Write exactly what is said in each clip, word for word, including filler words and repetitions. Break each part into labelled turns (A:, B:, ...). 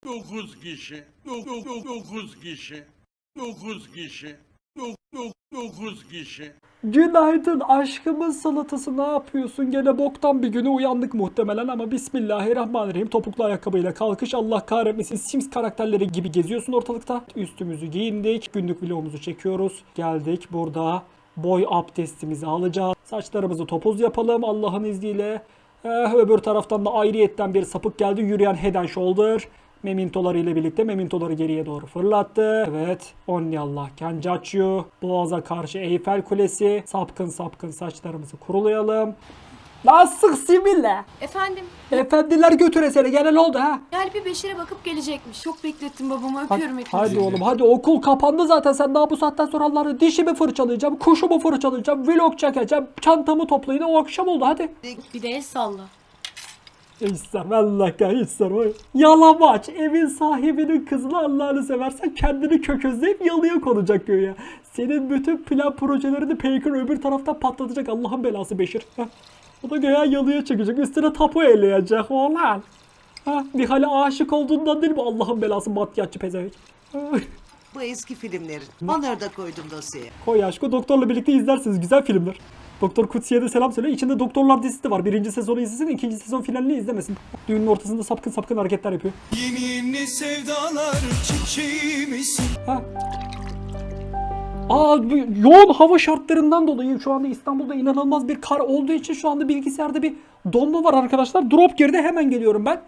A: Dokuz kişi. Dokuz kişi. Dokuz kişi. Dokuz kişi.
B: Günaydın aşkımın salatası, ne yapıyorsun? Gene boktan bir güne uyandık muhtemelen ama Bismillahirrahmanirrahim. Topuklu ayakkabıyla kalkış, Allah kahretmesin. Sims karakterleri gibi geziyorsun ortalıkta. Üstümüzü giyindik, günlük vlogumuzu çekiyoruz. Geldik burada boy abdestimizi alacağız. Saçlarımızı topuz yapalım Allah'ın izniyle. Eh, öbür taraftan da ayrıyetten bir sapık geldi, yürüyen Head and Shoulder. Memintoları ile birlikte memintoları geriye doğru fırlattı. Evet. Onyallah Kencaccio. Boğaza karşı Eyfel Kulesi. Sapkın sapkın saçlarımızı kurulayalım. Nasıl simile?
C: Efendim?
B: Efendiler götüresene, gene ne oldu ha?
C: Gel bir Beşir'e bakıp gelecekmiş. Çok beklettim babamı,
B: Hadi,
C: öpüyorum hepinizi.
B: hadi oğlum hadi, okul kapandı zaten, sen daha bu saatten sonra Allah'ını dişimi fırçalayacağım, kuşumu fırçalayacağım, vlog çekeceğim, çantamı toplayın, o akşam oldu hadi.
C: Bir de el salla.
B: İster vallahi ka ister o. Yalamaç evin sahibinin kızını Allah'ını seversen kendini köközleyip yalıya konacak göğe. Senin bütün plan projelerini Peyker öbür taraftan patlatacak, Allah'ın belası Beşir. Heh. O da göğe yalıya çıkacak, üstüne tapu eleyecek oğlan. Ha, Nihal'e aşık olduğundan değil mi Allah'ın belası maddiyatçı pezevenk.
D: Bu eski filmlerin. Onları da koydum dosyaya.
B: Koy aşkı, doktorla birlikte izlersiniz, güzel filmler. Doktor Kutsi'ye de selam söyle. İçinde Doktorlar dizisi de var. Birinci sezonu izlesin, ikinci sezon finalini izlemesin. Düğünün ortasında sapkın sapkın hareketler yapıyor.
E: Yeni yeni sevdalar çiçeğimisin.
B: Ha. Aa, bu yoğun hava şartlarından dolayı şu anda İstanbul'da inanılmaz bir kar olduğu için şu anda bilgisayarda bir donma var arkadaşlar. Drop girdi, hemen geliyorum ben.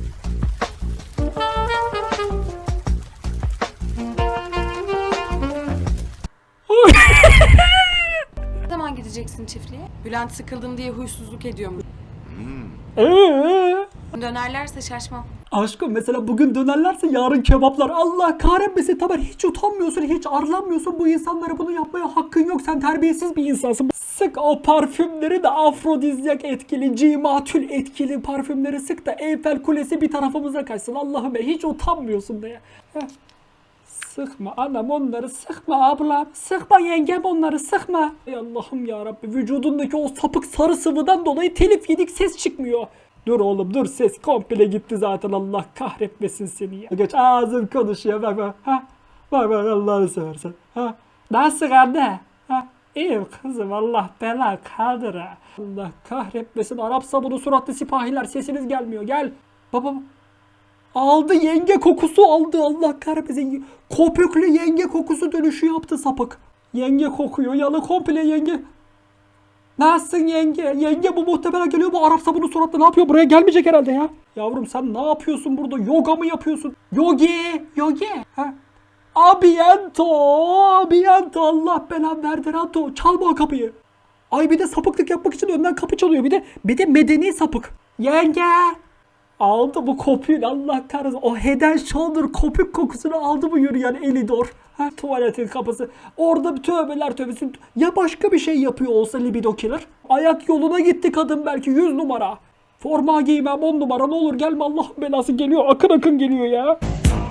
C: Ne zaman gideceksin çiftliğe? Bülent sıkıldım diye huysuzluk ediyormuş.
B: Eee?
C: Dönerlerse şaşmam.
B: Aşkım mesela bugün dönerlerse yarın kebaplar. Allah kahretmesin Tamer, hiç utanmıyorsun, hiç arlanmıyorsun, bu insanlara bunu yapmaya hakkın yok, sen terbiyesiz bir insansın. Sık o parfümleri de, afrodizyak etkili, cimatül etkili parfümleri sık da Eyfel Kulesi bir tarafımıza kaçsın, Allah'ım be, hiç utanmıyorsun da ya. Heh. Sıkma anam onları, sıkma ablam, sıkma yengem onları, sıkma. Ey Allah'ım yarabbi, vücudundaki o sapık sarı sıvıdan dolayı telif yedik, ses çıkmıyor. Dur oğlum dur, ses komple gitti zaten, Allah kahretmesin seni ya. Geç, ağzın konuşuyor bak bak. Ha? Bak bak Allah'ını seversen. Ha? Nasıl anne? Ha? İyiyim kızım, Allah bela kaldır ha. Allah kahretmesin, Arap sabunu suratlı sipahiler, sesiniz gelmiyor, gel. Baba. Aldı, yenge kokusu aldı, Allah kahretmesin. Köpüklü yenge kokusu dönüşü yaptı sapık. Yenge kokuyor, yalı komple yenge. Nasılsın yenge? Yenge bu muhtemelen geliyor, bu Arap sabunu suratlı ne yapıyor? Buraya gelmeyecek herhalde ya. Yavrum sen ne yapıyorsun burada? Yoga mı yapıyorsun? Yogi, yogi. Ha? Abiento, abiento, Allah belanı verdi Rato. Çalma o kapıyı. Ay bir de sapıklık yapmak için önden kapı çalıyor. Bir de bir de medeni sapık. Yenge. Aldı bu kopuyu, Allah kahretsin. O Head and Shoulder kopuk kokusunu aldı bu yürüyen Elidor. Ha, tuvaletin kapısı. Orada bir tövbeler tövbesi. Ya başka bir şey yapıyor olsa libido killer. Ayak yoluna gitti kadın belki, yüz numara. Forma giymem on numara, ne olur gelme, Allah'ın belası geliyor. Akın akın geliyor ya.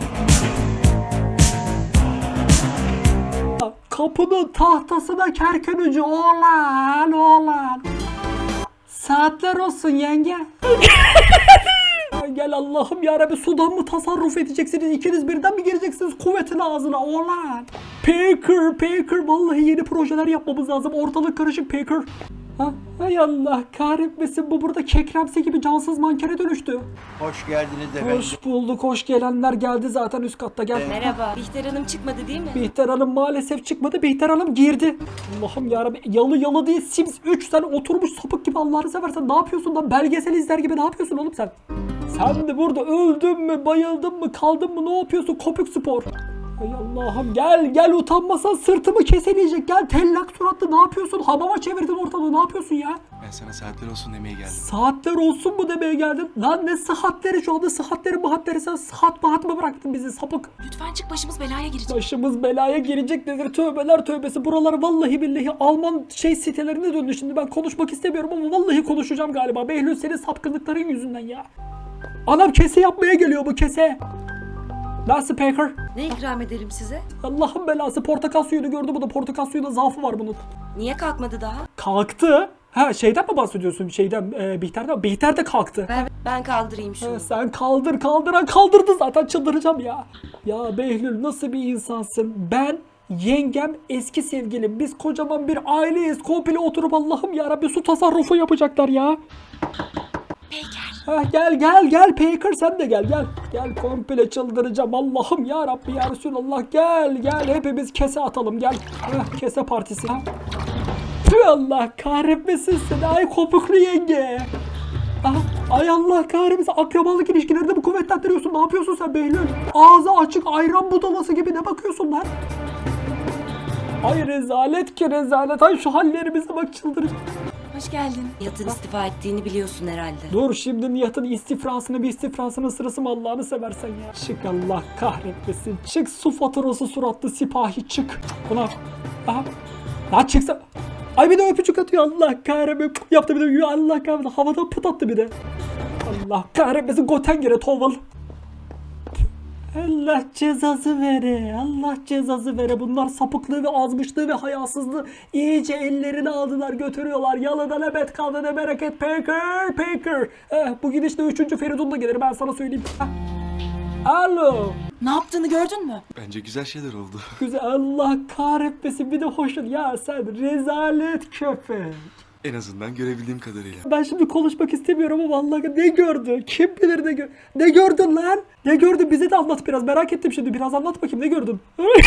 B: Kapının tahtasına kerken ucu oğlan oğlan. Saatler olsun yenge. Gel Allah'ım yarabbi, sudan mı tasarruf edeceksiniz? İkiniz birden mi gireceksiniz kuvvetin ağzına oğlan? Peyker, Peyker, vallahi yeni projeler yapmamız lazım. Ortalık karışık Peyker. Ha? Hay Allah kahretmesin, bu burada kekremsi gibi cansız mankene dönüştü.
F: Hoş geldiniz efendim.
B: Hoş bulduk, hoş gelenler geldi zaten, üst katta gel.
C: Merhaba. Bihter Hanım çıkmadı değil mi?
B: Bihter Hanım maalesef çıkmadı, Bihter Hanım girdi. Allah'ım yarabbi, yalı yalı değil Sims üç, sen oturmuş sapık gibi, Allah'ını seversen ne yapıyorsun lan, belgesel izler gibi ne yapıyorsun oğlum sen? Sen de burada öldün mü, bayıldın mı, kaldın mı, ne yapıyorsun kopuk spor? Ay Allah'ım, gel gel, utanmasan sırtımı keseleyecek, gel tellak suratlı, ne yapıyorsun, hamama çevirdin ortalığı, ne yapıyorsun ya?
E: Ben sana saatler olsun demeye geldim.
B: Saatler olsun mu demeye geldin? Lan ne saatleri, şu anda saatleri mahatleri, sen saat mahat mı bıraktın bizi sapık?
C: Lütfen çık, başımız belaya girecek.
B: Başımız belaya girecek nedir, tövbeler tövbesi. Buralar vallahi billahi Alman şey sitelerine döndü şimdi, ben konuşmak istemiyorum ama vallahi konuşacağım galiba. Behlül, senin sapkınlıkların yüzünden ya. Anam kese yapmaya geliyor bu kese. Nasıl Peyker?
C: Ne ikram edelim size?
B: Allah'ın belası, portakal suyunu gördü, bu da portakal suyuna zaafı var bunun.
C: Niye kalkmadı daha?
B: Kalktı. Ha şeyden mi bahsediyorsun? Şeyden e, Bihter'den. Bihter de kalktı.
C: Ben, ben kaldırayım şunu.
B: Ha, sen kaldır kaldıran kaldırdı zaten, çıldıracağım ya. Ya Behlül nasıl bir insansın? Ben, yengem, eski sevgilim. Biz kocaman bir aileyiz. Komple oturup Allah'ım yarabbim su tasarrufu yapacaklar ya. Ha, gel gel gel Peyker, sen de gel gel. Gel komple çıldıracağım Allah'ım ya Rabbi ya Resulallah, gel gel hepimiz kese atalım gel. Heh, kese partisi. Ha. Tüh, Allah kahretmesin seni ay kopuklu yenge. Ah, ay Allah kahretmesin, akrabalık ilişkilerini bu kuvvetlendiriyorsun. Ne yapıyorsun sen Behlül? Ağzı açık ayran budalası gibi ne bakıyorsun lan? Ay rezalet ki rezalet. Ay şu hallerimize bak, çıldıracağım.
C: Hoş geldin.
F: Nihat'ın istifa ettiğini biliyorsun herhalde.
B: Dur şimdi Nihat'ın istifrasını bir istifrasının sırası mı Allah'ını seversen ya. Çık Allah kahretmesin. Çık su faturası suratlı sipahi çık. Buna. Aha. Lan çıksa. Ay bir de öpücük atıyor Allah kahretmesin. Yaptı bir de Allah kahretmesin. Havadan pıt attı bir de. Allah kahretmesin Gotengere toval. Allah cezası vere. Allah cezası vere. Bunlar sapıklığı ve azmışlığı ve hayasızlığı iyice ellerine aldılar, götürüyorlar. Yalıda ne bet kaldı ne bereket. Peyker, Peyker. Eh, bu gidişle üçüncü Feridun da gelir, ben sana söyleyeyim. Heh. Alo.
C: Ne yaptığını gördün mü?
E: Bence güzel şeyler oldu.
B: Güzel, Allah kahretmesin bir de hoşun. Ya sen rezalet köpek.
E: En azından görebildiğim kadarıyla.
B: Ben şimdi konuşmak istemiyorum ama vallahi ne gördü? Kim bilir ne gör Ne gördün lan? Ne gördün? Bize de anlat biraz. Merak ettim şimdi. Biraz anlat bakayım, ne gördün?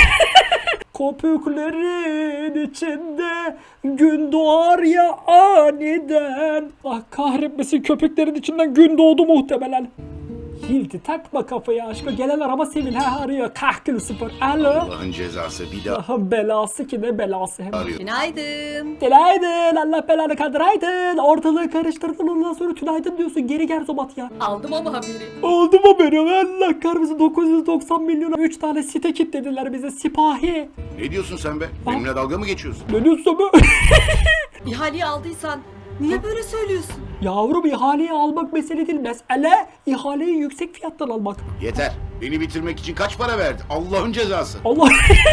B: Köpüklerin içinde gün doğar ya aniden. Ah kahretmesin, köpeklerin içinden gün doğdu muhtemelen. Hilti takma kafaya aşkım. Gelen araba Sevil ha arıyor. Kahkül sıfır. Alo.
G: Allah'ın cezası bir daha
B: Aha belası ki ne belası hem.
G: arıyor.
C: Günaydın.
B: Günaydın, Allah belanı kaldıraydın. Ortalığı karıştırdın, ondan sonra tünaydın diyorsun. Geri gel Zobat ya.
C: Aldım ama haberi.
B: Oldu mu benim? Allah kahretsin, dokuz yüz doksan milyona üç tane site kilitlediler bize, sipahi.
G: Ne diyorsun sen be? Benimle dalga mı geçiyorsun?
B: Ne diyorsun be?
C: İhaleyi aldıysan niye böyle söylüyorsun?
B: Yavrum ihaleyi almak mesele değil. Mesele ihaleyi yüksek fiyattan almak.
G: Yeter. Beni bitirmek için kaç para verdi? Allah'ın cezası.
B: Allah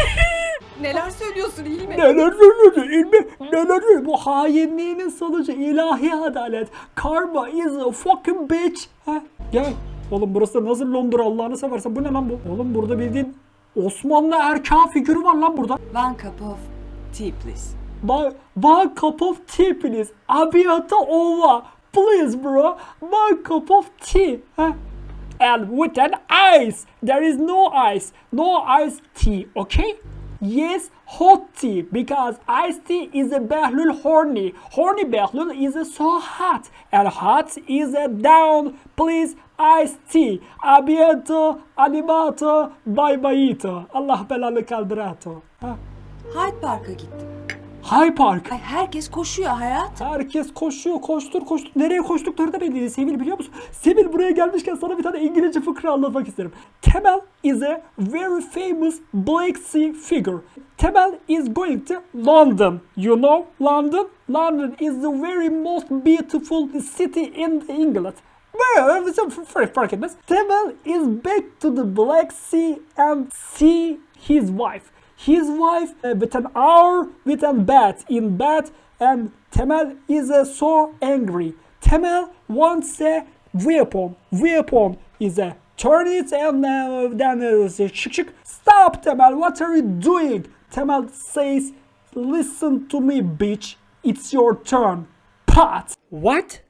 C: Neler söylüyorsun iyi mi?
B: neler söylüyorsun ilmi? Neler söylüyorsun? Bu hainliğinin sonucu ilahi adalet. Karma is a fucking bitch. Ha? Gel. Oğlum burası nasıl Londra Allah'ını seversen, bu ne lan bu? Oğlum burada bildiğin Osmanlı erkan figürü var lan burada.
C: One cup of tea please.
B: One, one cup of tea please. Abiyata ova. Please bro. One cup of tea. Huh? And with an ice. There is no ice. No ice tea. Okay? Yes, hot tea. Because iced tea is a Behlül horny. Horny Behlül is a so hot. And hot is a down. Please iced tea. Abiyata, animato, bye byeito. Allah belanı kaldırato. Ha?
C: Hyde Park'a gittim.
B: High Park.
C: Ay herkes koşuyor hayat.
B: Herkes koşuyor, koştur koştur. Nereye koştukları da belli değil. Sevil biliyor musun? Sevil, buraya gelmişken sana bir tane İngilizce fıkra anlatmak isterim. Temel is a very famous Black Sea figure. Temel is going to London. You know London? London is the very most beautiful city in England. Well, it's a fark etmez. Temel is back to the Black Sea and see his wife. His wife uh, with an hour with a bat in bed, and Temel is uh, so angry. Temel wants a weapon. Weapon is a turn it and uh, then uh, shik shik. Stop, Temel! What are you doing? Temel says, "Listen to me, bitch. It's your turn." Pat. What?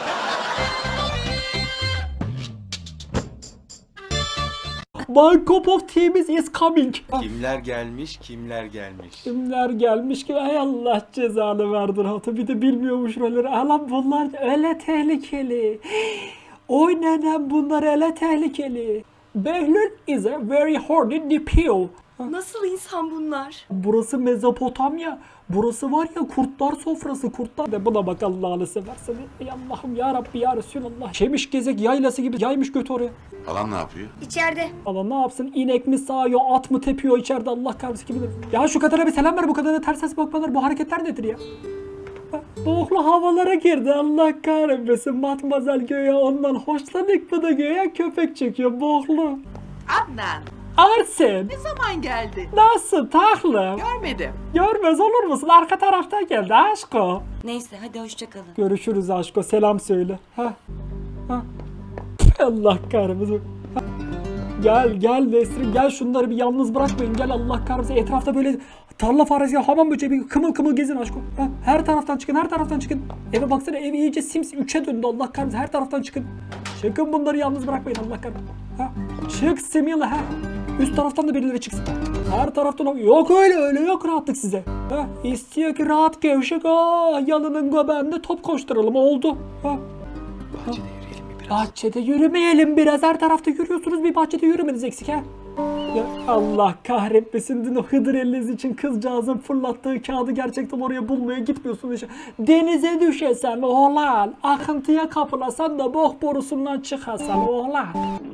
B: My cup of tea is coming.
E: Kimler gelmiş, kimler gelmiş.
B: Kimler gelmiş ki ay Allah cezanı verdir hatı, bir de bilmiyormuş rolleri. Alan bunlar öyle tehlikeli. Oynanan bunlar öyle tehlikeli. Behlül is a very horny nipple.
C: Nasıl insan bunlar?
B: Burası Mezopotamya. Burası var ya kurtlar sofrası, kurtlar. De buna bak Allah'ını seversen. Ey Allah'ım ya Rabbi ya Resulallah. Şemiş gezek yaylası gibi yaymış götü oraya.
G: Halam ne yapıyor?
C: İçeride.
B: Allah ne yapsın? İnek mi sağıyor, at mı tepiyor içeride, Allah kahretsin kim bilir. Ya şu kadına bir selam ver, bu kadına ters ses bakmalar, bu hareketler nedir ya? Boğuklu havalara girdi, Allah kahretmesin. Matmazel göğe ondan hoşlanık, bu da göğe köpek çekiyor boğuklu.
D: Adnan,
B: Arsen.
H: Ne zaman geldi?
B: Nasıl taklım?
H: Görmedim.
B: Görmez olur musun? Arka taraftan geldi aşko.
F: Neyse hadi hoşça kalın.
B: Görüşürüz aşko. Selam söyle. Ha. Ha. Allah kahretsin. Ha. Gel gel Nesrin gel, şunları bir yalnız bırakmayın. Gel Allah kahretsin. Etrafta böyle tarla faresi, hamam böceği bir kımıl kımıl gezin aşko. Ha. Her taraftan çıkın, her taraftan çıkın. Eve baksana, ev iyice Sims üçe döndü Allah kahretsin. Her taraftan çıkın. Çıkın, bunları yalnız bırakmayın Allah kahretsin. Ha. Çık Simila ha. Üst taraftan da birileri çıksın. Her taraftan yok, öyle öyle yok rahatlık size. Ha. İstiyor ki rahat gevşek. Aa, yalının göbeğinde top koşturalım, oldu. Ha.
E: Bahçede yürüyelim mi biraz?
B: Bahçede yürümeyelim biraz. Her tarafta yürüyorsunuz, bir bahçede yürümeniz eksik ha. Ya Allah kahretmesin, dün o Hıdır Ellez için kızcağızın fırlattığı kağıdı gerçekten oraya bulmaya gitmiyorsun işte. Denize düşesen oğlan, akıntıya kapılasan da bok borusundan çıkasan oğlan.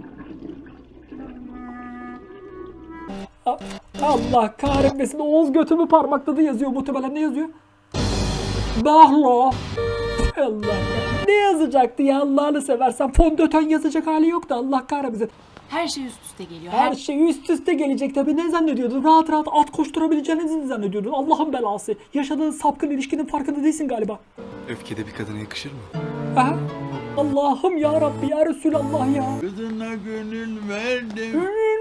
B: A- Allah kahretmesin, Oğuz götümü parmakladı yazıyor muhtemelen. Ne yazıyor? Bahlo. Allah kahretmesin. Ne yazacaktı ya Allah'ını seversen? Fondöten yazacak hali yoktu Allah kahretmesin.
C: Her şey üst üste geliyor.
B: Her şey üst üste gelecek tabii. Ne zannediyordun? Rahat rahat at koşturabileceğinizi mi zannediyordun? Allah'ın belası. Yaşadığın sapkın ilişkinin farkında değilsin galiba.
E: Öfkede bir kadına yakışır mı?
B: Ha? Allah'ım ya Rabbi ya Resulallah ya.
A: Kızına gönül verdim.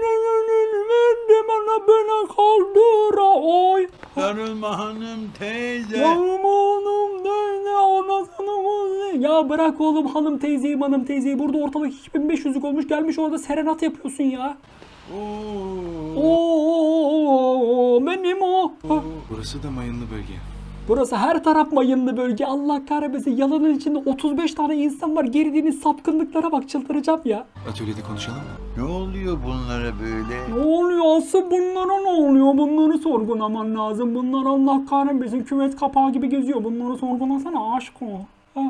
B: Verdim ana beni kaldıra oy.
A: Sarılma hanım teyze.
B: Yanım oğlum ne anasını mı? Ya bırak oğlum hanım teyzeyi hanım teyzeyi. Burada ortalık iki bin beş yüzlük olmuş, gelmiş orada serenat yapıyorsun ya.
A: Oo.
B: Oo benim o. Ha.
E: Burası da mayınlı bölge.
B: Burası her taraf mayınlı bölge. Allah kahretmesin. Yalanın içinde otuz beş tane insan var. Girdiğiniz sapkınlıklara bak, çıldıracağım ya.
E: Atölyede konuşalım mı?
A: Ne oluyor bunlara böyle?
B: Ne oluyor asıl bunlara, ne oluyor? Bunları sorgulaman lazım. Bunlar Allah kahretmesin kümes kapağı gibi geziyor. Bunları sorgulasana aşk o. Ha.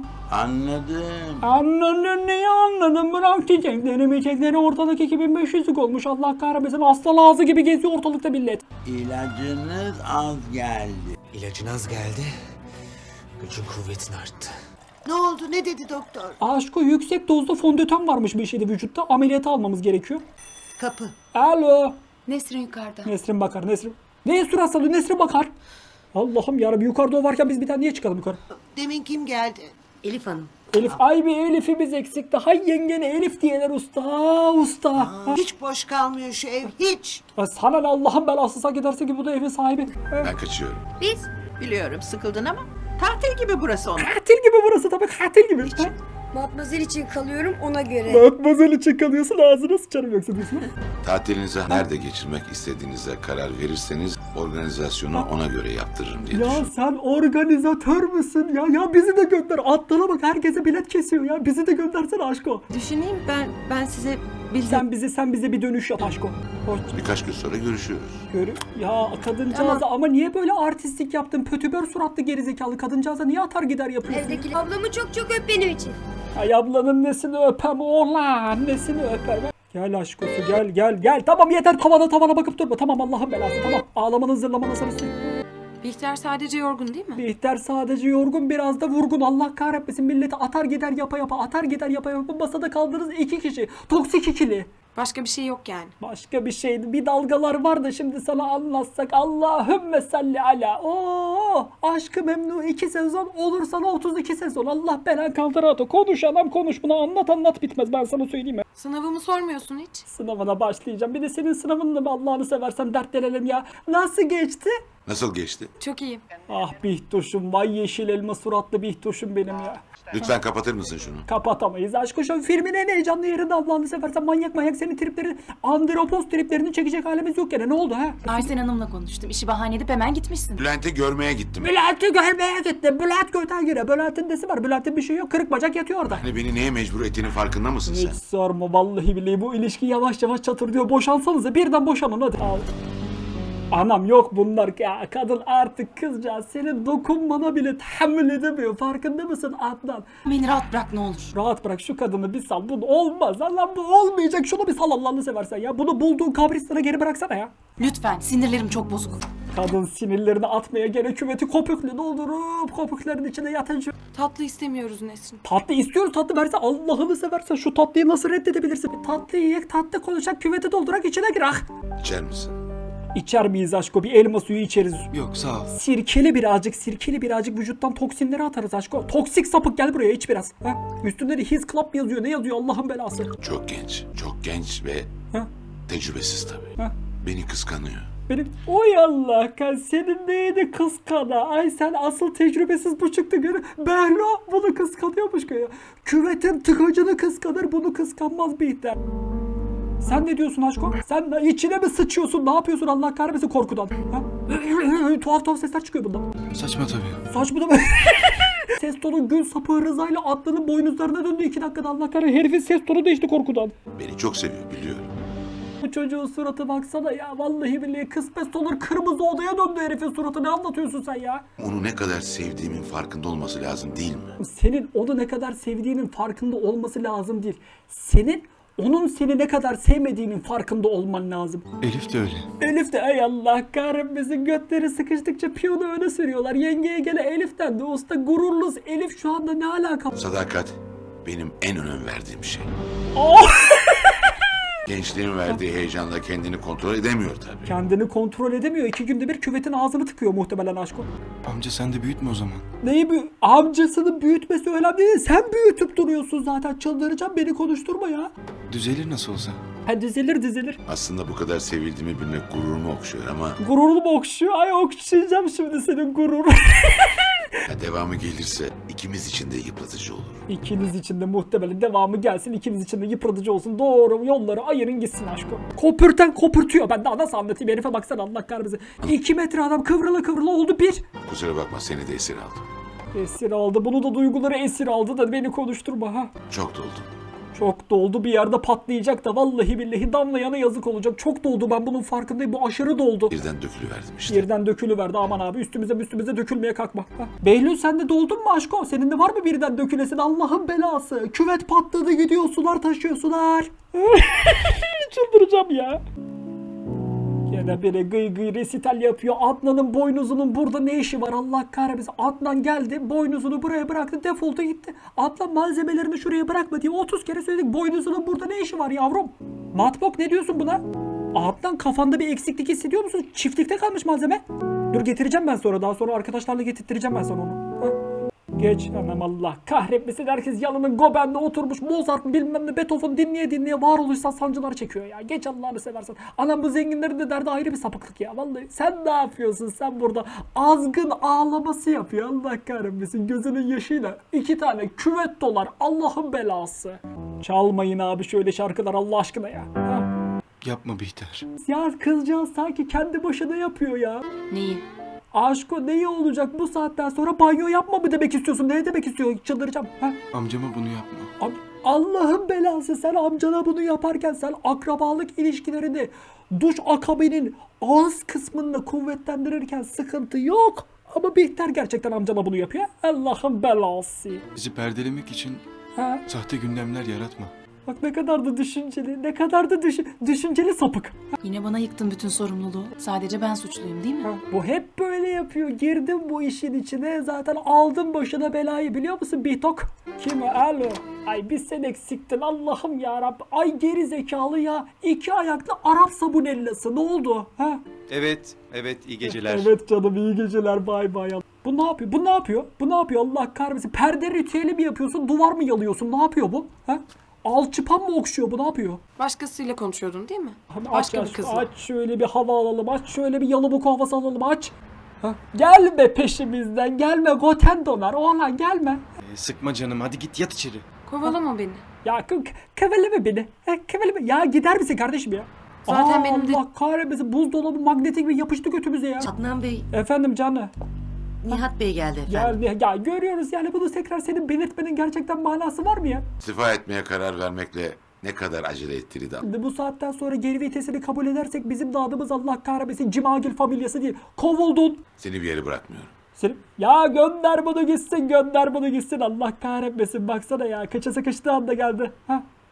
A: Anladım.
B: Anladın, neyi anladın? Bırak çiçekleri miçekleri, ortalık iki bin beş yüzlük olmuş. Allah kahretmesin, hasta ağzı gibi geziyor ortalıkta millet.
A: İlacınız az geldi.
I: İlacın az geldi. Gücün kuvvetin arttı.
D: Ne oldu, ne dedi doktor?
B: Aşko, yüksek dozda fondöten varmış bir şeyde vücutta. Ameliyata almamız gerekiyor.
D: Kapı.
B: Alo.
C: Nesrin yukarıda.
B: Nesrin bakar, Nesrin. Ne Nesrin hastalığı, Nesrin bakar. Allah'ım yarabbim, yukarıda o varken biz bir tane niye çıkalım yukarı?
D: Demin kim geldi?
F: Elif Hanım.
B: Elif, ay bir Elif'imiz eksikti. Hay yengene Elif diyeler usta, usta. Ha.
D: Hiç boş kalmıyor şu ev, hiç.
B: Ya sana ne Allah'ın belası, sanki derse ki bu da evin sahibi. Ha.
G: Ben kaçıyorum.
H: Biz biliyorum sıkıldın ama tatil gibi burası onlar.
B: Katil gibi burası tabii, katil gibi. Ha.
J: Matmazel için kalıyorum ona göre.
B: Matmazel için kalıyorsun, ağzına sıçarım yoksa diyorsun.
G: Tatilinizi nerede geçirmek istediğinize karar verirseniz organizasyonu ona göre yaptırırım diye
B: Ya
G: düşünüyorum.
B: sen organizatör müsün ya? Ya bizi de gönder. Atlana bak, herkese bilet kesiyor ya. Bizi de göndersene aşko.
H: Düşüneyim ben ben size bildim.
B: Sen bize sen bize bir dönüş yap aşko. Hoş.
G: Birkaç gün sonra görüşüyoruz.
B: Görü. Ya kadıncağıza ama niye böyle artistlik yaptın? Pötübör suratlı gerizekalı kadıncağıza niye atar gider yapıyorsun?
J: Evdeki ablamı çok çok öp benim için.
B: Ay ablanın nesini öpem oğlan, nesini öpem. Gel aşkosu, gel gel gel. Tamam yeter, tavana tavana bakıp durma. Tamam Allah'ın belası, tamam. Ağlamanın zırlamanın sırası değil.
C: Bihter sadece yorgun değil mi?
B: Bihter sadece yorgun, biraz da vurgun. Allah kahretmesin, milleti atar gider yapa yapa, atar gider yapa yapa. Masada kaldınız iki kişi. Toksik ikili.
C: Başka bir şey yok yani.
B: Başka bir şeydi. Bir dalgalar var da şimdi sana anlatsak. Allahümme salli ala. Oo, Aşk-ı Memnu iki sezon olur sana otuz iki sezon. Allah belan kaldırato. Konuş anam konuş, bunu anlat anlat bitmez, ben sana söyleyeyim mi?
C: Sınavımı sormuyorsun hiç.
B: Sınavına başlayacağım. Bir de senin sınavınla mı Allah'ını seversen dertlenelim ya. Nasıl geçti?
G: Nasıl geçti?
C: Çok iyi.
B: Ah Bihtoş'um, vay yeşil elma suratlı Bihtoş'um benim ya.
G: Lütfen kapatır mısın şunu?
B: Kapatamayız aşk şu filmin en heyecanlı yerinde Allah'ını seversen, manyak manyak senin tripleri, andropos triplerini çekecek halimiz yok gene. Ne oldu ha?
K: Arsen Hanım'la konuştum. İşi bahane edip hemen gitmişsin.
G: Bülent'i görmeye gittim.
B: Bülent'i görmeye gitti. Bülent göten gire. Bülent'in nesi var? Bülent'in bir şey yok. Kırık bacak yatıyor orada.
G: Hani beni neye mecbur ettiğinin farkında mısın
B: Hiç
G: sen?
B: sorma vallahi billahi, bu ilişki yavaş yavaş çatırdıyor. Boşansanıza, birden boşanın hadi. Al. Anam yok bunlar ya, kadın artık kızcağız senin dokunmana bile tahammül edemiyor, farkında mısın Adnan?
K: Beni rahat bırak ne olur.
B: Rahat bırak şu kadını bir sal, bu olmaz lan, bu olmayacak, şunu bir sal Allah'ını seversen ya, bunu bulduğun kabristana geri bıraksana ya.
K: Lütfen, sinirlerim çok bozuk.
B: Kadın sinirlerini atmaya gene küveti kopuklu doldurup kopukların içine yatacak.
C: Tatlı istemiyoruz Nesrin.
B: Tatlı istiyoruz, tatlı verse Allah'ını seversen şu tatlıyı nasıl reddedebilirsin? Tatlı yiyek, tatlı konuşacak, küveti doldurak içine gir ah.
G: İçer misin?
B: İçer miyiz aşko? Bir elma suyu içeriz.
E: Yok sağ ol.
B: Sirkeli birazcık, sirkeli birazcık vücuttan toksinleri atarız aşko. Toksik sapık gel buraya iç biraz. Ha? Üstünde de His Club yazıyor. Ne yazıyor Allah'ın belası?
G: Çok genç, çok genç ve
B: Ha?
G: tecrübesiz tabii.
B: Ha?
G: Beni kıskanıyor.
B: Benim oy Allah kan senin neydi kıskana? Ay sen asıl tecrübesiz bu çıktı göre. Behlo bunu kıskanıyormuş ki ya. Küvetin tıkacını kıskanır, bunu kıskanmaz bir ihtar. Sen ne diyorsun aşko? Sen de içine mi sıçıyorsun? Ne yapıyorsun Allah kahretmesin korkudan? Ha? tuhaf tuhaf sesler çıkıyor bundan.
E: Saçma tabii.
B: Saçma da ses tonu gül sapı Rıza'yla atlının boynuzlarına döndü iki dakikada Allah kahretmesin. Herifin ses tonu değişti korkudan.
G: Beni çok seviyor biliyorum.
B: Bu çocuğun suratı baksana ya. Vallahi billahi kısmet olur kırmızı odaya döndü herifin suratı. Ne anlatıyorsun sen ya?
G: Onu ne kadar sevdiğimin farkında olması lazım değil mi?
B: Senin onu ne kadar sevdiğinin farkında olması lazım değil. Senin onun seni ne kadar sevmediğinin farkında olman lazım.
E: Elif de öyle.
B: Elif de ey Allah kahretmesin götleri sıkıştıkça piyonu öne sürüyorlar. Yengeye gele Elif'ten de usta gururluz Elif şu anda ne alaka?
G: Sadakat benim en önem verdiğim şey.
B: Oh!
G: Gençliğin verdiği heyecanla kendini kontrol edemiyor tabii.
B: Kendini kontrol edemiyor. İki günde bir küvetin ağzını tıkıyor muhtemelen aşkım.
E: Amca sen de büyütme o zaman.
B: Neyi büyü... Amcasının büyütmesi önemli değil. Sen büyütüp duruyorsun zaten. Çıldıracağım beni konuşturma ya.
E: Düzelir nasıl olsa.
B: Ha dizilir dizilir.
G: Aslında bu kadar sevildiğimi bilmek gururumu okşuyor ama
B: Gururlu mu okşuyor? Ay okşayacağım şimdi senin gurur.
G: ya devamı gelirse ikimiz için de yıpratıcı olur.
B: İkiniz için de muhtemelen devamı gelsin. İkiniz için de yıpratıcı olsun. Doğru yolları ayırın gitsin aşkım. Kopürten kopurtuyor. Ben daha nasıl anlatayım? Herife baksana Allah kahretsin. İki metre adam kıvrıla kıvrıla oldu bir.
G: Kusura bakma seni de esir aldım.
B: Esir aldı. Bunu da duyguları esir aldı da beni konuşturma ha.
G: Çok doldum.
B: Çok doldu bir yerde patlayacak da vallahi billahi damlayana yazık olacak. Çok doldu ben bunun farkındayım. Bu aşırı doldu.
G: Birden dökülüverdim işte.
B: Birden dökülüverdi aman abi üstümüze üstümüze dökülmeye kalkma. Ha. Behlül sen de doldun mu aşko? Senin de var mı birden dökülesin Allah'ın belası? Küvet patladı gidiyor sular taşıyor sular. Çıldıracağım ya. Gene biri gıy gıy resital yapıyor. Adnan'ın boynuzunun burada ne işi var Allah kahretmesin. Adnan geldi boynuzunu buraya bıraktı defolta gitti. Adnan malzemelerini şuraya bırakma diye otuz kere söyledik. Boynuzunun burada ne işi var yavrum? Matbok ne diyorsun buna? Adnan kafanda bir eksiklik hissediyor musun? Çiftlikte kalmış malzeme. Dur getireceğim ben sonra. Daha sonra arkadaşlarla getirttireceğim ben sana onu. Ha? Geç anam Allah kahretmesin herkes yalının gobende oturmuş Mozart bilmem ne Beethoven dinleye dinleye varoluşsal sancılar çekiyor ya. Geç Allah'ını seversen. Anam bu zenginlerin de derdi ayrı bir sapıklık ya. Vallahi sen ne yapıyorsun sen burada azgın ağlaması yapıyor Allah kahretmesin gözünün yaşıyla. iki tane küvet dolar Allah'ın belası. Çalmayın abi şöyle şarkılar Allah aşkına ya. Ha?
E: Yapma Bihter.
B: Ya kızcağız sanki kendi başına yapıyor ya.
K: Neyi?
B: Aşko neyi olacak bu saatten sonra banyo yapma mı demek istiyorsun? Ne demek istiyor? Çıldıracağım. Ha?
E: Amcama bunu yapma.
B: Am- Allah'ın belası sen amcana bunu yaparken sen akrabalık ilişkilerini duş akabinin ağız kısmını kuvvetlendirirken sıkıntı yok. Ama Bihter gerçekten amcana bunu yapıyor. Allah'ın belası.
E: Bizi perdelemek için
B: Ha?
E: sahte gündemler yaratma.
B: Bak ne kadar da düşünceli, ne kadar da düşün- düşünceli sapık.
K: Yine bana yıktın bütün sorumluluğu. Sadece ben suçluyum değil mi?
B: Ha, bu hep böyle yapıyor. Girdim bu işin içine. Zaten aldım başına belayı biliyor musun Bitok? Kim o? Alo. Ay bir sen eksiktin Allah'ım yarabbim. Ay geri zekalı ya. İki ayaklı Arap sabunellası. Ne oldu? Ha?
E: Evet, evet iyi geceler.
B: Evet canım iyi geceler bay bay. Bu ne yapıyor? Bu ne yapıyor? Bu ne yapıyor Allah kahretsin? Perde ritüeli mi yapıyorsun? Duvar mı yalıyorsun? Ne yapıyor bu? Ha? Alçıpan mı okşuyor bu ne yapıyor?
C: Başkasıyla konuşuyordun değil mi?
B: Hani
C: Başka
B: aç,
C: bir
B: aç,
C: kızla.
B: aç şöyle bir hava alalım. Aç şöyle bir yalıbuk havası alalım aç. Ha? Gelme peşimizden gelme goten donar. Oğlan gelme.
E: Ee, sıkma canım hadi git yat içeri.
C: Kovalama beni.
B: Ya k- kıvırlama beni. Ha, kıvırlama. Ya gider misin kardeşim ya?
C: Zaten
B: Aa,
C: benim de-
B: Allah kahretmesin buzdolabı magnetik bir yapıştı götümüze ya.
F: Adnan Bey,
B: Efendim canı.
F: Nihat Bey geldi efendim.
B: Ya, ya görüyoruz yani bunu tekrar senin belirtmenin gerçekten manası var mı ya?
G: İstifa etmeye karar vermekle ne kadar acele ettiğini de
B: Şimdi bu saatten sonra geri vitesini kabul edersek bizim de adımız Allah kahretmesin Cimagil familyası değil. Kovuldun.
G: seni bir yere bırakmıyorum.
B: Seni... Ya gönder bunu gitsin gönder bunu gitsin Allah kahretmesin baksana ya kaça sıkıştığı anda geldi. Ha?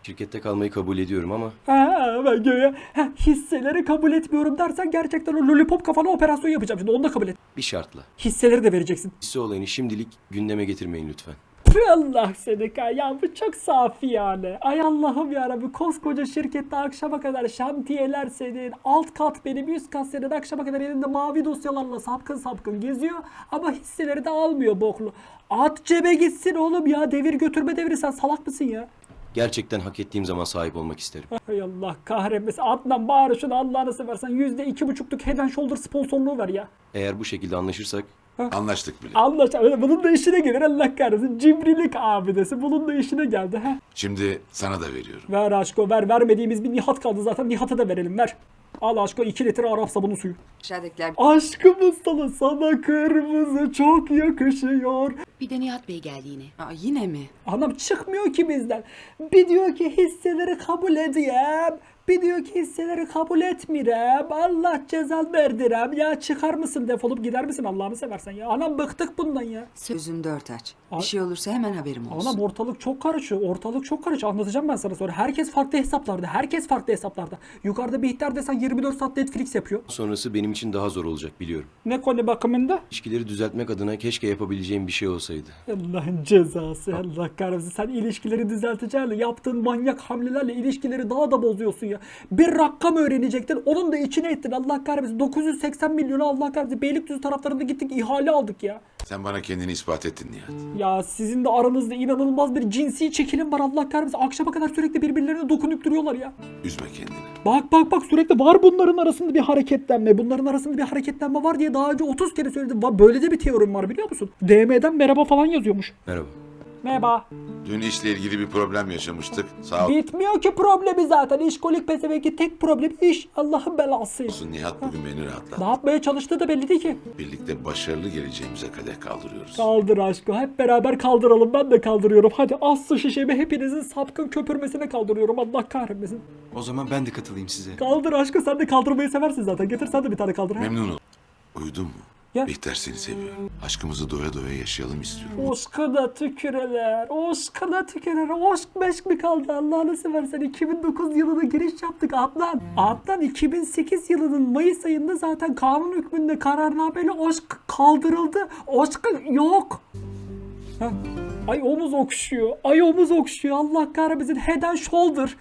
I: Şirkette kalmayı kabul ediyorum ama
B: Ha, ben göğe ha, hisseleri kabul etmiyorum dersen gerçekten o lollipop kafana operasyon yapacağım şimdi, onu da kabul et.
I: bir şartla.
B: Hisseleri de vereceksin.
I: Hisse olayını şimdilik gündeme getirmeyin lütfen.
B: Tüh, Allah seni kay ya, bu çok safi yani. Ay Allah'ım yarabbim, koskoca şirkette akşama kadar şantiyeler senin, alt kat benim, üst kat senin, akşama kadar elinde mavi dosyalarla sapkın sapkın geziyor ama hisseleri de almıyor boklu. At cebe gitsin oğlum ya, devir götürme devri, sen salak mısın ya?
I: Gerçekten hak ettiğim zaman sahip olmak isterim.
B: Hay Allah kahretmesin, Adnan bari şunu Allah'ını seversen yüzde iki buçukluk Head and Shoulder sponsorluğu ver ya.
I: Eğer bu şekilde anlaşırsak
G: Anlaştık bile.
B: Anlaşıldı. Bunun da işine gelir, Allah kahretsin. Cimrilik abidesi. Bunun da işine geldi. Heh.
G: Şimdi sana da veriyorum.
B: Ver aşko ver. Vermediğimiz bir Nihat kaldı zaten. Nihat'a da verelim, ver. Al aşko iki litre Arap sabunu suyu.
H: Aşağıdakiler
B: Aşkımız sana, sana kırmızı çok yakışıyor.
F: Bir de Nihat Bey geldi yine.
H: Aa, yine mi?
B: Anam çıkmıyor ki bizden. Bir diyor ki hisseleri kabul edeyim. Bir diyor ki hisseleri kabul etmirem. Allah cezal verdirem. Ya çıkar mısın, defolup gider misin Allah'ını seversen ya. Anam bıktık bundan ya.
H: Sözün dört aç.
B: Ay-
H: Bir şey olursa hemen haberim olsun.
B: Anam ortalık çok karışıyor. Ortalık çok karışıyor. Anlatacağım ben sana sonra. Herkes farklı hesaplarda. Herkes farklı hesaplarda. Yukarıda bir ihtar desen yirmi dört saat Netflix yapıyor.
I: sonrası benim için daha zor olacak biliyorum.
B: Ne konu bakımında?
I: İlişkileri düzeltmek adına keşke yapabileceğim bir şey olsaydı.
B: Allah'ın cezası. Allah kahretsin. Sen ilişkileri düzelteceğinle yaptığın manyak hamlelerle ilişkileri daha da bozuyorsun ya. Bir rakam öğrenecektin. Onun da içine ettin. Allah kahretsin. dokuz yüz seksen milyonu Allah kahretsin. Beylikdüzü taraflarında gittik, ihale aldık ya.
G: Sen bana kendini ispat ettin Nihat.
B: Ya sizin de aranızda inanılmaz bir cinsi çekilim var Allah kahretsin. Akşama kadar sürekli birbirlerine dokunup duruyorlar ya.
G: Üzme kendini.
B: Bak bak bak, sürekli var bunların arasında bir hareketlenme. Bunların arasında bir hareketlenme var diye daha önce otuz kere söyledim. Va- Böyle de bir teorim var biliyor musun? D M'den merhaba falan yazıyormuş.
I: Merhaba.
B: Merhaba.
G: Dün işle ilgili bir problem yaşamıştık. Sağ ol.
B: Bitmiyor ki problemi zaten. İşkolik pezevenki tek problem iş. Allah'ın belası.
G: Olsun Nihat bugün beni
B: Ne
G: rahatlattı.
B: yapmaya çalıştığı da belli değil ki.
G: Birlikte başarılı geleceğimize kadeh kaldırıyoruz.
B: Kaldır aşkım. Hep beraber kaldıralım. Ben de kaldırıyorum. Hadi az su şişemi hepinizin sapkın köpürmesine kaldırıyorum. Allah kahretmesin.
E: O zaman ben de katılayım size.
B: Kaldır aşkım. Sen de kaldırmayı seversin zaten. Getir sen de bir tane kaldır. ha?
G: Memnun ol. Uyudun mu?
B: Ya.
G: Bihter seni seviyor. Aşkımızı doya doya yaşayalım istiyorum.
B: Oşkuna tüküreler, oşkuna tüküreler, oşk meşk mi kaldı Allah'ını seversen. iki bin dokuz yılına giriş yaptık Adnan. Adnan iki bin sekiz yılının Mayıs ayında zaten kanun hükmünde kararnameyle oşk kaldırıldı. Oşk yok. Heh. Ay omuz okşuyor, ay omuz okşuyor, Allah kahretmesin. Head and Shoulder.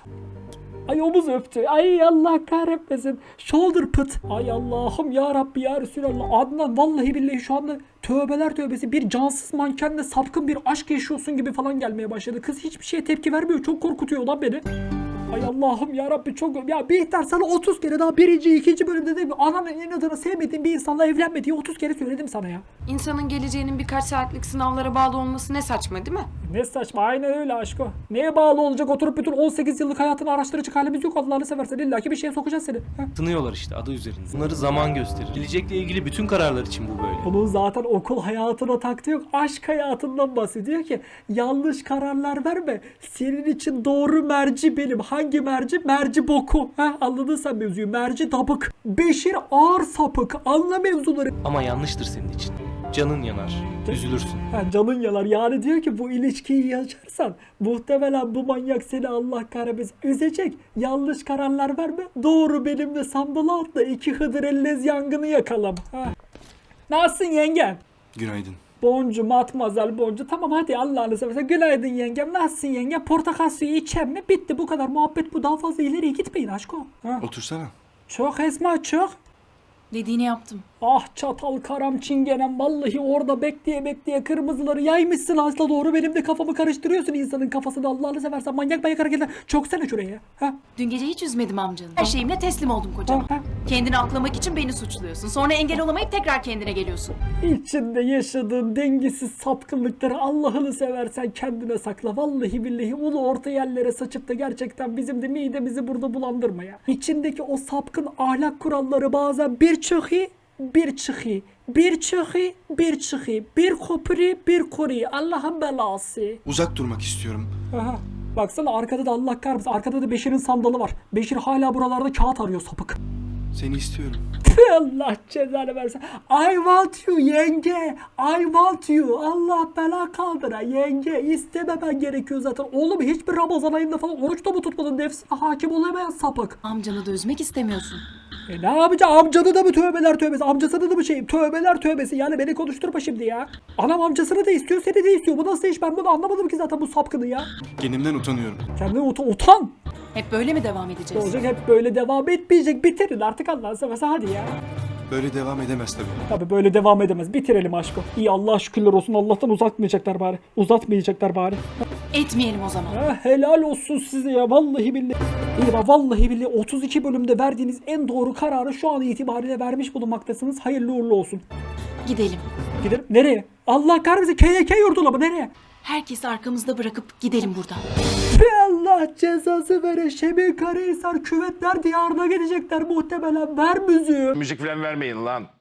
B: Ay omuz öptü. Ay Allah kahretmesin. Shoulder pıt. Ay Allah'ım ya Rabbi ya Resulallah. Adnan vallahi billahi şu anda tövbeler tövbesi bir cansız mankenle sapkın bir aşk yaşıyorsun gibi falan gelmeye başladı. Kız hiçbir şeye tepki vermiyor. Çok korkutuyor lan beni. Ay Allah'ım ya Rabbi çok... Ya Bihter sana otuz kere daha birinci, ikinci bölümde de ananın inadına sevmediğin bir insanla evlenme diye otuz kere söyledim sana ya.
C: İnsanın geleceğinin birkaç saatlik sınavlara bağlı olması ne saçma değil mi?
B: Ne saçma, aynen öyle aşko. Neye bağlı olacak, oturup bütün on sekiz yıllık hayatını araştıracak halimiz yok Allah'ını seversen. İlla ki bir şeye sokacağız seni. Heh.
L: Tınıyorlar işte adı üzerinde. Bunları zaman gösterir. Gelecekle ilgili bütün kararlar için bu böyle.
B: Bunun zaten okul hayatına taktığı yok. Aşk hayatından bahsediyor ki yanlış kararlar verme. Senin için doğru merci benim. Hangi merci? Merci boku. Heh, anladın sen mevzuyu. Merci dabık. Beşir ağır sapık. Anla mevzuları.
L: Ama yanlıştır senin için. Canın yanar. Üzülürsün.
B: Ha, canın yalar. Yani diyor ki bu ilişkiyi yaşarsan muhtemelen bu manyak seni Allah kahretmesin üzecek. Yanlış kararlar verme. Doğru benimle sandala atla. İki Hıdır Ellez yangını yakalım. Ha. Nasılsın yengem?
E: Günaydın.
B: Boncu, matmazel boncu. Tamam hadi Allah'ını seversen. Günaydın yengem. Nasılsın yengem? Portakal suyu içem mi? Bitti bu kadar muhabbet bu. Daha fazla ileriye gitmeyin aşko. Ha.
E: Otursana.
B: Çok Esma çok.
K: Dediğini yaptım.
B: Ah çatal karam çingenem, vallahi orada bekleye bekleye kırmızıları yaymışsın asla doğru, benim de kafamı karıştırıyorsun insanın kafasını Allah'ını seversen. Manyak manyak hareketler. Çok sene şuraya. Ha?
K: Dün gece hiç üzmedim amcanı. Her şeyimle teslim oldum kocama.
B: Ha, ha.
K: Kendini aklamak için beni suçluyorsun. Sonra engel olamayıp tekrar kendine geliyorsun.
B: İçinde yaşadığın dengesiz sapkınlıkları Allah'ını seversen kendine sakla. Vallahi billahi onu orta yerlere saçıp da gerçekten bizim de midemizi burada bulandırma ya. İçindeki o sapkın ahlak kuralları bazen bir çok iyi, bir çıkı, bir çıkı, bir çıkı, bir kopri, bir kori. Allah'ın belası.
E: Uzak durmak istiyorum.
B: Aha. Baksana arkada da Allah kahretsin. Arkada da Beşir'in sandalı var. Beşir hala buralarda kağıt arıyor sapık.
E: Seni istiyorum.
B: Allah cezanı versin. I want you yenge. I want you. Allah bela kaldıra yenge. İstememen gerekiyor zaten. Oğlum hiçbir Ramazan ayında falan oruç da mı tutmadın? Nefsine hakim olamayan sapık.
K: Amcanı da üzmek istemiyorsun.
B: E ne yapacağım? Amcanı da mı tövbeler tövbesi? Amcasını da mı şeyim? Tövbeler tövbesi. Yani beni konuşturma şimdi ya. Anam amcasını da istiyor, seni de istiyor. Bu nasıl iş? Ben bunu anlamadım ki zaten bu sapkını ya.
E: Kendimden utanıyorum.
B: Kendine utan. utan.
K: Hep böyle mi devam edeceğiz?
B: Olacak, hep böyle devam etmeyecek. Bitirin artık Allah'ın seversen hadi ya.
E: Böyle devam edemez tabii.
B: Tabii böyle devam edemez. Bitirelim aşkım. İyi Allah'a şükürler olsun. Allah'tan uzatmayacaklar bari. Uzatmayacaklar bari.
K: Etmeyelim o zaman.
B: Ha, helal olsun size ya. Vallahi billahi. İyi bak vallahi billahi otuz iki bölümde verdiğiniz en doğru kararı şu an itibariyle vermiş bulunmaktasınız. Hayırlı uğurlu olsun.
K: Gidelim.
B: Gidelim. Nereye? Allah kahretsin. K Y K yurduna mı? Nereye?
K: Herkesi arkamızda bırakıp gidelim buradan.
B: Allah cezası vere. Şebi Karahisar küvetler diyarına gidecekler muhtemelen. Ver müziği.
G: Müzik falan vermeyin lan.